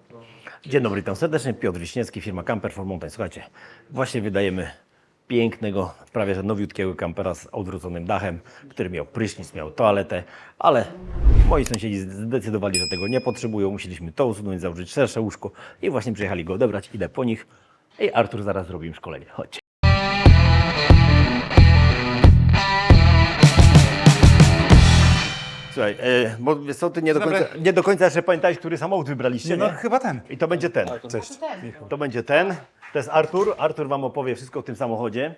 Dzień dobry, witam serdecznie. Piotr Wiśniewski, firma Camper for Mountain. Słuchajcie, właśnie wydajemy pięknego, prawie że nowiutkiego kampera z odwróconym dachem, który miał prysznic, miał toaletę, ale moi sąsiedzi zdecydowali, że tego nie potrzebują. Musieliśmy to usunąć, założyć szersze łóżko i właśnie przyjechali go odebrać. Idę po nich i Artur zaraz zrobi im szkolenie. Chodźcie. Słuchaj, bo wiesz co, ty nie do końca jeszcze pamiętałeś, który samochód wybraliście, No nie? chyba ten. I to będzie ten. Cześć. To będzie ten. To jest Artur. Artur Wam opowie wszystko o tym samochodzie.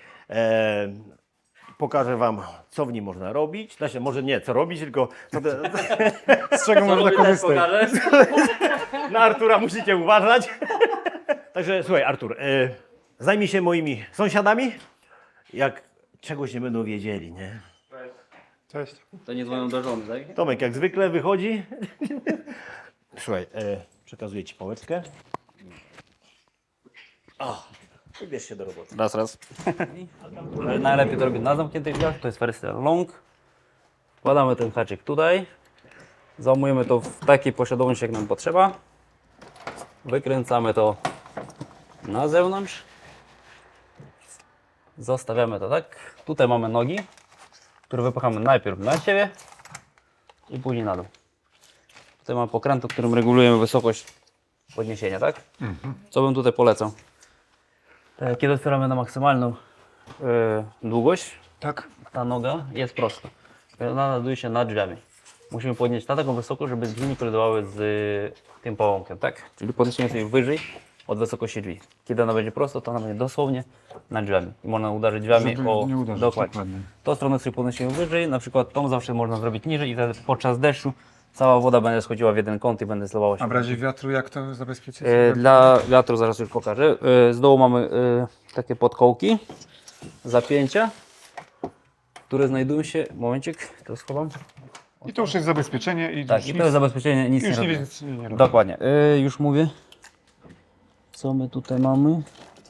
Pokażę Wam, co w nim można robić. Znaczy, może nie, co robić, tylko co Z czego można korzystać? na Artura musicie uważać. Także słuchaj, Artur, zajmij się moimi sąsiadami. Jak czegoś nie będą wiedzieli, nie? Cześć. To nie dzwonią do żony, tak? Tomek jak zwykle wychodzi. Słuchaj, przekazuję Ci pałeczkę. O, wybierz się do roboty. Raz. Najlepiej to robić na zamkniętych drzwiach, to jest wersja long. Wkładamy ten haczyk tutaj. Załamujemy to w takiej posiadłości, jak nam potrzeba. Wykręcamy to na zewnątrz. Zostawiamy to tak. Tutaj mamy nogi, które wypchamy najpierw na siebie i później na dół. Tutaj mamy pokrętło, którym regulujemy wysokość podniesienia, tak? Co bym tutaj polecał? Kiedy otwieramy na maksymalną długość, Tak. ta noga jest prosta. Ona znajduje się nad drzwiami. Musimy podnieść na taką wysokość, żeby drzwi nie kolidowały z tym połąkiem, tak? Czyli podniesiemy sobie wyżej od wysokości drzwi. Kiedy ona będzie prosta, to ona będzie dosłownie nad drzwiami. I można uderzyć drzwiami Żeby o... nie uderzyć, dokładnie. dokładnie. Tą stronę sobie podnosimy wyżej, na przykład tą zawsze można zrobić niżej i wtedy podczas deszczu cała woda będzie schodziła w jeden kąt i będzie zlewała się. A w razie wiatru jak to zabezpieczyć? Dla wiatru zaraz już pokażę. Z dołu mamy takie podkołki, zapięcia, które znajdują się... Momencik, to schowam. I to już jest zabezpieczenie i Tak, już i to jest zabezpieczenie, nic już nie nie, robi. nie robi. Dokładnie. Już mówię. Co my tutaj mamy?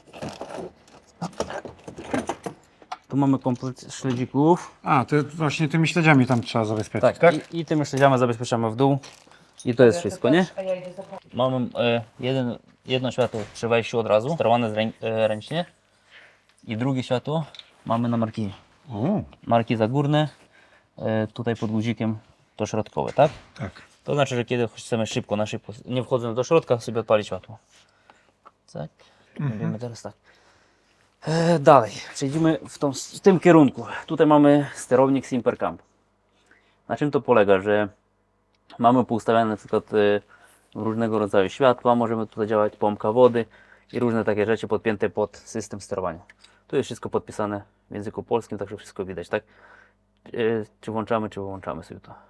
Tu mamy komplet śledzików. A, to właśnie tymi śledziami tam trzeba zabezpieczyć, Tak, tak? I tym śledziami zabezpieczamy w dół. I to jest wszystko, nie? Mamy jedno światło przy wejściu od razu, sterowane ręcznie. I drugie światło mamy na markizie. O, Marki górne, tutaj pod guzikiem to środkowe, tak? tak. To znaczy, że kiedy chcemy szybko, nie wchodząc do środka, sobie odpalić światło. Tak? Robimy teraz tak. Dalej, przejdziemy w tym kierunku. Tutaj mamy sterownik Simpercamp. Na czym to polega, że mamy poustawiane na przykład różnego rodzaju światła, możemy tutaj działać pompka wody i różne takie rzeczy podpięte pod system sterowania. Tu jest wszystko podpisane w języku polskim, także wszystko widać, tak? Czy włączamy, czy wyłączamy sobie to.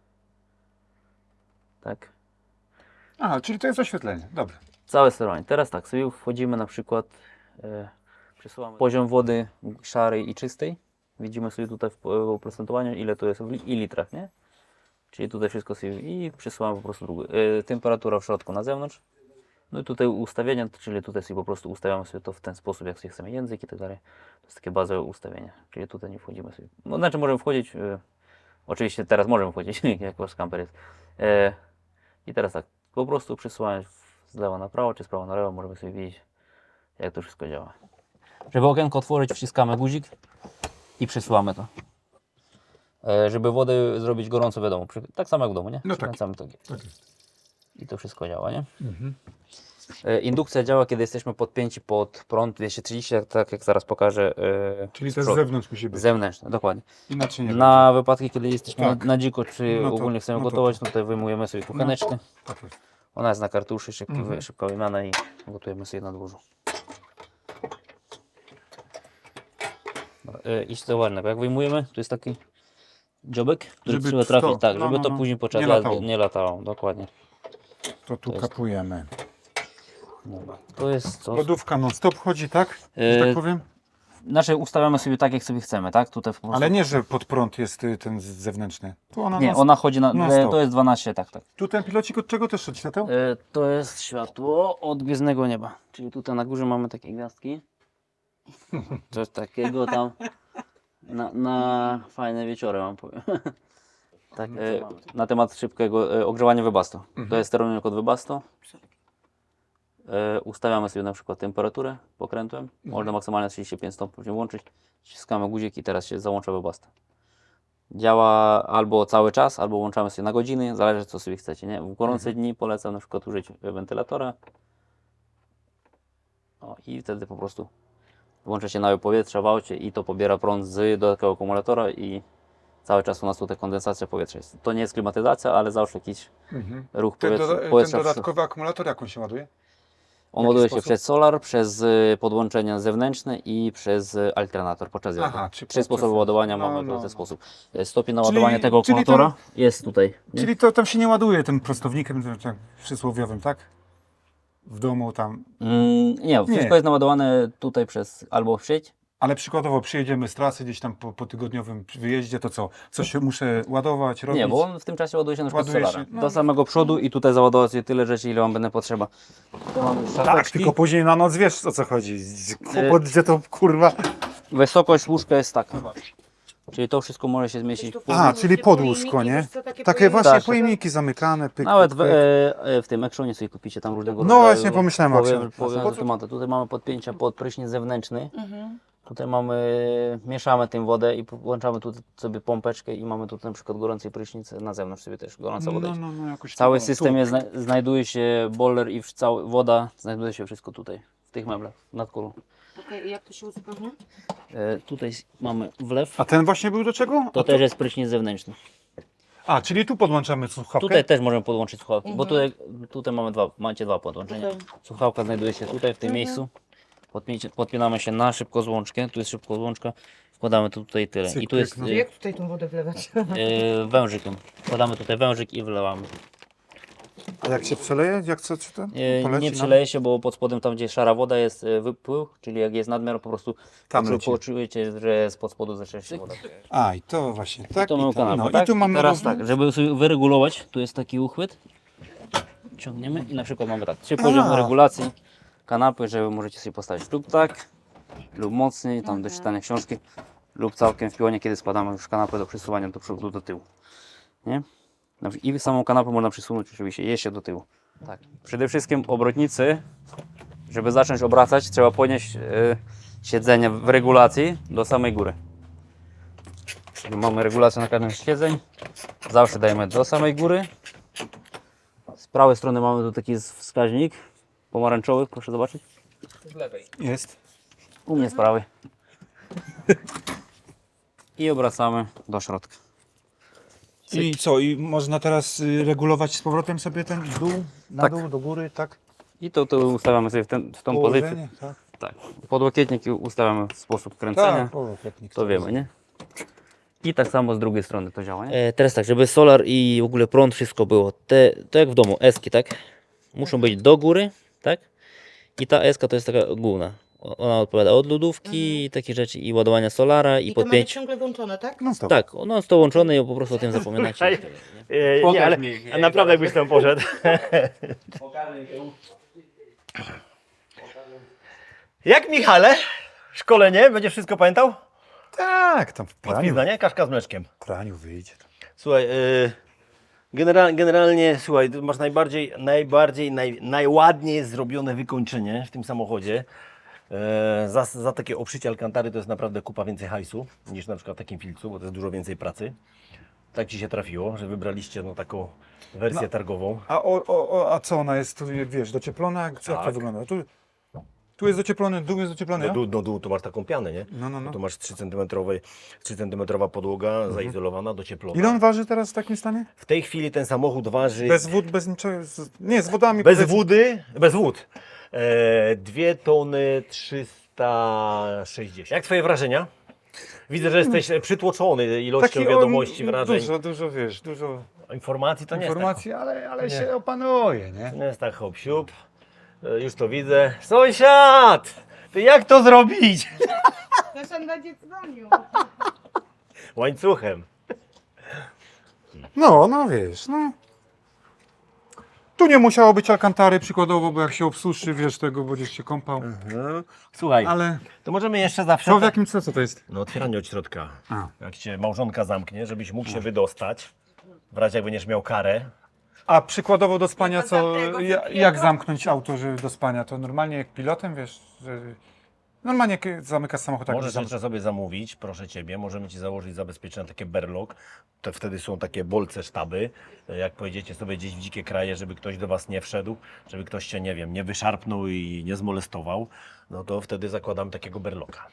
Tak? Aha, czyli to jest oświetlenie, dobrze. Całe sterowanie. Teraz tak, sobie wchodzimy na przykład, przesuwamy poziom wody szarej i czystej. Widzimy sobie tutaj w oprocentowaniu, ile to jest i litrach, nie? Czyli tutaj wszystko sobie i przesuwamy po prostu temperatura w środku na zewnątrz. No i tutaj ustawienia, czyli tutaj sobie po prostu ustawiamy sobie to w ten sposób, jak sobie chcemy język i tak dalej. To jest takie bazowe ustawienie, czyli tutaj nie wchodzimy sobie. No znaczy możemy wchodzić, oczywiście teraz możemy wchodzić, jak wasz kamper jest. I teraz tak, po prostu przesuwając z lewa na prawo, czy z prawa na lewo, możemy sobie widzieć, jak to wszystko działa. Żeby okienko otworzyć, wciskamy guzik i przesuwamy to. Żeby wodę zrobić gorąco, wiadomo, tak samo jak w domu, nie? No tak. Przykręcamy to. Tak jest. I to wszystko działa, nie? Indukcja działa, kiedy jesteśmy podpięci pod prąd 230, tak jak zaraz pokażę. Czyli to z zewnątrz musi być. Zewnętrzne, dokładnie. Inaczej nie Na wypadki, kiedy jesteśmy Tak. na dziko, czy No to- ogólnie chcemy no to gotować, tak. no to wyjmujemy sobie kucheneczkę. będzie. Tak jest. Ona jest na kartuszy, szybka wymiana i gotujemy sobie na dworzu. I zauważmy, jak wyjmujemy, to jest taki dziobek, który Żeby trzeba to- trafić tak, no, żeby no, to no. później podczas Nie jazdy latało. nie latało. Dokładnie. To tu kapujemy. Dobra. To jest co? Lodówka non stop chodzi, tak? Że tak powiem? Znaczy ustawiamy sobie tak, jak sobie chcemy, tak? Tutaj po prostu... Ale nie, że pod prąd jest ten zewnętrzny. Tu ona Nie, non- ona chodzi na... non stop. To jest 12, tak. Tu ten pilocik od czego też szedł świateł? To jest światło od gwiezdnego nieba. Czyli tutaj na górze mamy takie gwiazdki. Coś takiego tam. Na fajne wieczory wam powiem. Tak, na temat szybkiego ogrzewania Webasto. To jest sterownik od Webasto. Ustawiamy sobie na przykład temperaturę pokrętłem. Można maksymalnie 35 stopni włączyć. Ściskamy guzik i teraz się załącza webbasta. Działa albo cały czas, albo włączamy sobie na godziny, zależy co sobie chcecie. Nie? W gorące dni polecam na przykład użyć wentylatora. O, i wtedy po prostu włącza się naływ powietrza w aucie i to pobiera prąd z dodatkowego akumulatora i cały czas u nas tutaj kondensacja powietrza jest. To nie jest klimatyzacja, ale zawsze jakiś ruch Ten, powietrza. ten dodatkowy akumulator jak on się ładuje? On ładuje się sposób? przez solar, przez podłączenia zewnętrzne i przez alternator podczas jazdy. Aha, czy Trzy sposoby podczas- ładowania no, mamy w no, ten no. sposób. Stopień naładowania tego czyli akumulatora jest tutaj. Nie? Czyli to tam się nie ładuje tym prostownikiem tym, tak, przysłowiowym, tak? W domu tam. Nie, wszystko jest naładowane tutaj przez albo w sieć. Ale przykładowo przyjedziemy z trasy gdzieś tam po tygodniowym wyjeździe, to co? Coś się muszę ładować, robić? Nie, bo on w tym czasie ładuje się na przykład Ładuje solara. się, no. Do samego przodu i tutaj załadować sobie tyle rzeczy, ile wam będę potrzeba. Tu mamy Tak, szafeczki. tylko później na noc wiesz o co chodzi. Kłopot, gdzie to kurwa. Wysokość łóżka jest taka. Czyli to wszystko może się zmieścić w A, czyli podłóżko, nie? Takie właśnie Tak. pojemniki zamykane. Pyk, Nawet pyk, w, pyk. w tym Actionie sobie kupicie tam różnego No rodzaju. właśnie, pomyślałem o Actionie. Tematy. Tutaj mamy podpięcia pod prysznic zewnętrzny. Tutaj mieszamy tym wodę i włączamy tu sobie pompeczkę i mamy tu na przykład gorący prysznic, na zewnątrz sobie też gorąca woda. No, jakoś Cały tu, system tu. jest, znajduje się boiler i woda, znajduje się wszystko tutaj, w tych meblach, nad kulą. Okej, jak to się uzupełnia? Tutaj mamy wlew, A ten właśnie był do czego? to też jest prysznic zewnętrzny. A, czyli tu podłączamy słuchawkę? Tutaj też możemy podłączyć słuchawki, bo tutaj macie dwa podłączenia. Okej. Słuchawka znajduje się tutaj, w tym miejscu. Podpinamy się na szybkozłączkę, tu jest szybkozłączka, wkładamy tu tutaj tyle. Cyk, I tu jest pyk, no. Jak tutaj tą wodę wlewać? wężykiem. Wkładamy tutaj wężyk i wlewamy. A jak się przeleje? Jak co? Czy to? Poleci Nie nam? przeleje się, bo pod spodem tam gdzie szara woda jest wypływ, czyli jak jest nadmiar po prostu Tam leci. poczujecie, że spod spodu zaczyna się woda. A, i to właśnie, tak? To mamy kanapę, no, tak? i tu mamy Teraz rozwój. tak, żeby sobie wyregulować, tu jest taki uchwyt. Ciągniemy i na przykład mamy tak, 3 poziomy regulacji kanapy, żeby możecie sobie postawić lub tak, lub mocniej, tam do czytania książki, lub całkiem w pionie, kiedy składamy już kanapę do przesuwania do przodu, do tyłu. Nie? I samą kanapę można przesunąć oczywiście jeszcze do tyłu. Tak. Przede wszystkim obrotnicy, żeby zacząć obracać, trzeba podnieść siedzenie w regulacji do samej góry. Czyli mamy regulację na każdym z siedzeń. Zawsze dajemy do samej góry. Z prawej strony mamy tu taki wskaźnik pomarańczowy, proszę zobaczyć. Jest. U mnie z prawej. I obracamy do środka. I co? I można teraz regulować z powrotem sobie ten dół, na Tak. dół, do góry, tak? I to ustawiamy sobie w tą pozycję. Położenie, tak? Tak. Podłokietnik ustawiamy w sposób kręcenia. Tak, połokietnik. To wiemy, nie? I tak samo z drugiej strony to działa, nie? Teraz tak, żeby solar i w ogóle prąd, wszystko było. To jak w domu, eski, tak? Muszą być do góry, tak? I ta eska to jest taka główna. Ona odpowiada od lodówki i takie rzeczy, i ładowania solara, i I to mamy podpięć. ciągle włączone, tak? No stop. Tak, ono jest to łączone i po prostu o tym zapominacie. Nie, ale naprawdę jakbyś tam poszedł. Jak Michale? Szkolenie? Będziesz wszystko pamiętał? Tak, tam w praniu, Pizda, nie? Kaszka z mleczkiem. praniu wyjdzie. Słuchaj, generalnie, słuchaj, ty masz najładniej zrobione wykończenie w tym samochodzie. Za takie obszycie alkantary to jest naprawdę kupa więcej hajsu niż na przykład w takim filcu, bo to jest dużo więcej pracy. Tak Ci się trafiło, że wybraliście no, taką wersję targową. A co ona jest, tu, wiesz, docieplona? Jak to Tak. wygląda? Tu jest docieplony, dół jest docieplony, No dół to masz taką pianę, nie? No. Tu masz 3 cm podłoga zaizolowana, docieplona. Ile on waży teraz w takim stanie? W tej chwili ten samochód waży... Bez wód, bez niczego? Nie, z wodami. Bez powiedzmy. bez wód. 2 tony 360. Jak Twoje wrażenia? Widzę, że jesteś przytłoczony ilością wiadomości, wrażeń. Dużo, wiesz, dużo Informacji to nie informacji, ale się opanuje, nie? jest tak hop siup. Już to widzę. Sąsiad! Ty jak to zrobić? Zresztą będzie dzwonił. Łańcuchem. No wiesz, no. Tu nie musiało być alkantary przykładowo, bo jak się obsuszy, wiesz, tego będziesz się kąpał. Słuchaj, Ale to możemy jeszcze zawsze... to w jakim celu to jest? No otwieranie od środka. A. Jak Cię małżonka zamknie, żebyś mógł się wydostać. W razie jak będziesz miał karę. A przykładowo do spania Do co, tamtego jak wielkiego? zamknąć auto, żeby do spania? To normalnie jak pilotem, wiesz, że normalnie zamykasz samochód tak Możesz jak jeszcze sobie zamówić, proszę Ciebie, możemy Ci założyć zabezpieczenia takie berlok, to wtedy są takie bolce sztaby, jak pojedziecie sobie gdzieś w dzikie kraje, żeby ktoś do Was nie wszedł, żeby ktoś Cię, nie wiem, nie wyszarpnął i nie zmolestował, no to wtedy zakładamy takiego berloka.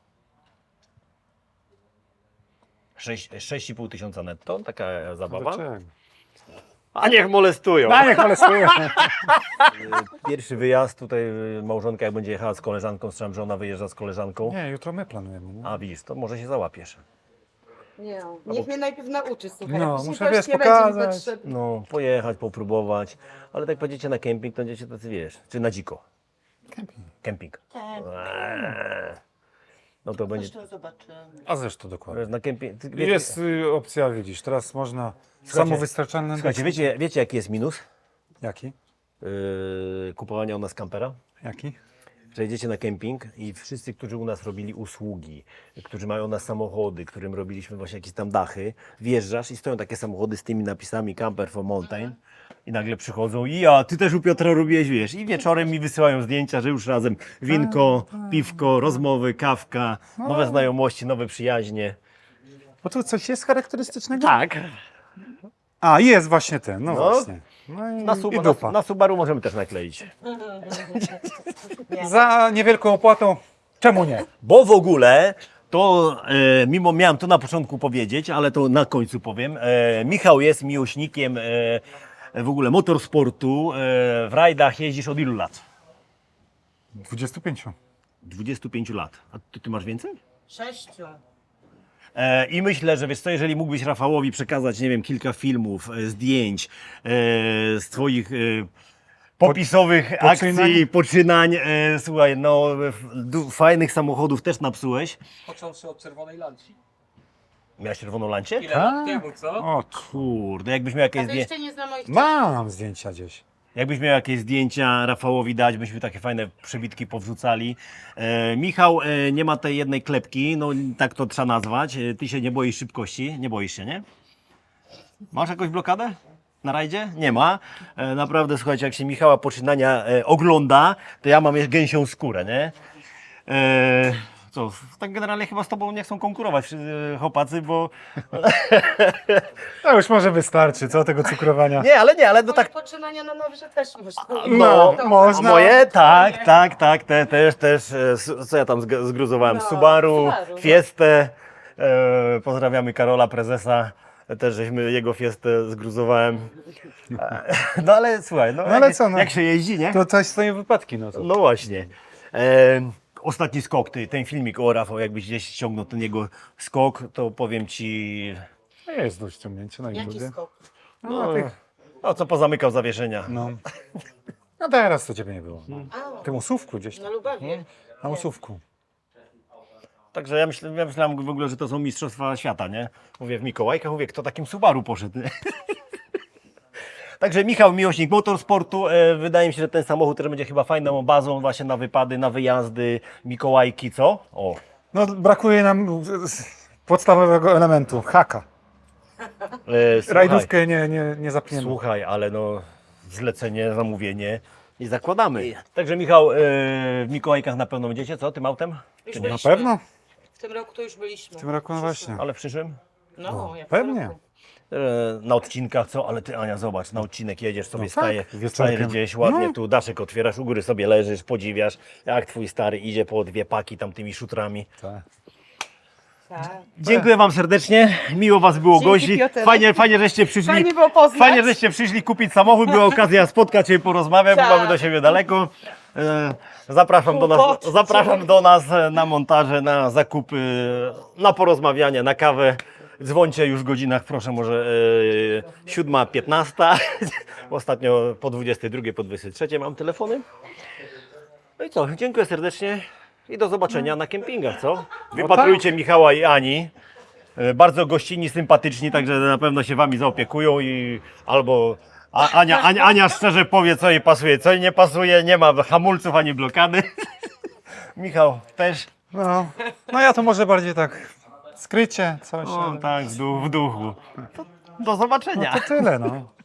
6,5 tysiąca netto, taka zabawa. A niech molestują! niech molestuje. Pierwszy wyjazd tutaj, małżonka jak będzie jechała z koleżanką, słyszałem, że ona wyjeżdża z koleżanką. Nie, jutro my planujemy. Nie? A widzisz, to może się załapiesz. Nie, niech mnie najpierw nauczy, słuchaj. No, później muszę, to już wiesz, nie będzie mi pokazać. potrzebne. No, pojechać, popróbować, ale tak pojedziecie na kemping, to będziecie tacy, wiesz, czy na dziko. Kemping. No to będzie, Zresztą zobaczymy. A zresztą dokładnie. wiesz, na kemping. Jest opcja, widzisz, teraz można Słuchajcie, samowystarczalne. Słuchajcie, wiecie jaki jest minus Jaki? kupowania u nas kampera? Jaki? Że jedziecie na kemping i wszyscy, którzy u nas robili usługi, którzy mają u nas samochody, którym robiliśmy właśnie jakieś tam dachy, wjeżdżasz i stoją takie samochody z tymi napisami Camper for Mountain i nagle przychodzą i ty też u Piotra robiłeś, wiesz, i wieczorem mi wysyłają zdjęcia, że już razem winko, piwko, rozmowy, kawka, nowe znajomości, nowe przyjaźnie. Bo tu coś jest charakterystycznego? Tak. A, jest właśnie ten, no, No. właśnie. No i, Na, i dupa. na Subaru możemy też nakleić. Za niewielką opłatą, czemu nie? Bo w ogóle to, mimo miałem to na początku powiedzieć, ale to na końcu powiem, Michał jest miłośnikiem w ogóle motorsportu. W rajdach jeździsz od ilu lat? 25. 25 lat. A ty masz więcej? 6. I myślę, że wiesz co, jeżeli mógłbyś Rafałowi przekazać, nie wiem, kilka filmów, zdjęć z Twoich popisowych akcji, poczynań, słuchaj, no fajnych samochodów też napsułeś. Począwszy od czerwonej lanci. Miałeś czerwoną lancię? Ile lat temu, co? O, Kurde, jakbyś miał jakieś A to zdjęcia. jeszcze nie znam moich mam zdjęcia gdzieś. Jakbyś miał jakieś zdjęcia Rafałowi dać, byśmy takie fajne przebitki powrzucali. Michał nie ma tej jednej klepki, no tak to trzeba nazwać. Ty się nie boisz szybkości, nie boisz się, nie? Masz jakąś blokadę na rajdzie? Nie ma. Naprawdę, słuchajcie, jak się Michała poczynania ogląda, to ja mam jeszcze gęsią skórę, nie? Co, tak generalnie chyba z tobą nie chcą konkurować chłopacy, bo... To już może wystarczy, co tego cukrowania. Nie, ale no Moje tak... poczynania na Nawrze też można. No, To- można. Moje? Tak, też. Co ja tam zgruzowałem? No, Subaru, Subaru, no. Fiestę. Pozdrawiamy Karola, prezesa. Też żeśmy jego Fiestę zgruzowałem. No ale słuchaj, no, ale jak, co, no. jak się jeździ, nie? To coś stoją wypadki, no to. No właśnie. Ostatni skok, ten filmik o Rafał, jakbyś gdzieś ściągnął ten jego skok, to powiem Ci... Jest do ściągnięcia na Jaki YouTubie. skok? No co pozamykał zawieszenia. No. No teraz to ciebie nie było. A, W tym usówku gdzieś na tam. Lubawie. Na usówku. Także ja myślałem w ogóle, że to są mistrzostwa świata, nie? Mówię w Mikołajkach, mówię, kto takim Subaru poszedł, nie? Także Michał, miłośnik motorsportu, wydaje mi się, że ten samochód też będzie chyba fajną bazą właśnie na wypady, na wyjazdy, Mikołajki, co? O, No brakuje nam podstawowego elementu, haka. słuchaj, Rajdówkę nie zapniemy. słuchaj, ale no zlecenie, zamówienie i zakładamy. Także Michał, w Mikołajkach na pewno będziecie, co, tym autem? Już Na byliśmy. pewno? W tym roku to już byliśmy. W tym roku no właśnie. Ale w przyszłym? No, jak w pewnie. roku. Na odcinkach, co? Ale ty, Ania, zobacz, na odcinek jedziesz sobie, No tak, wieczorkiem. stajesz gdzieś ładnie, No. tu daszek otwierasz, u góry sobie leżysz, podziwiasz, jak twój stary idzie po 2 paki tam tymi szutrami. Tak. Tak. Dziękuję Wam serdecznie, miło Was było Dzięki, gości, Piotr. fajnie, żeście przyszli. Fajnie było poznać. Fajnie, żeście przyszli kupić samochód, była okazja spotkać się i porozmawiać, bo Tak. mamy do siebie daleko. Zapraszam do nas na montaże, na zakupy, na porozmawianie, na kawę. Dzwońcie już w godzinach, proszę, może 7:15. Ostatnio po 22, po 23 mam telefony. No i co, dziękuję serdecznie i do zobaczenia na kempingach, co? Wypatrujcie Michała i Ani. Bardzo gościnni, sympatyczni, także na pewno się Wami zaopiekują i albo Ania szczerze powie, co jej pasuje, co jej nie pasuje, nie ma hamulców ani blokady. Michał też. No ja to może bardziej tak skrycie, coś. O, ale- tak, w duchu. To do zobaczenia. To tyle, no.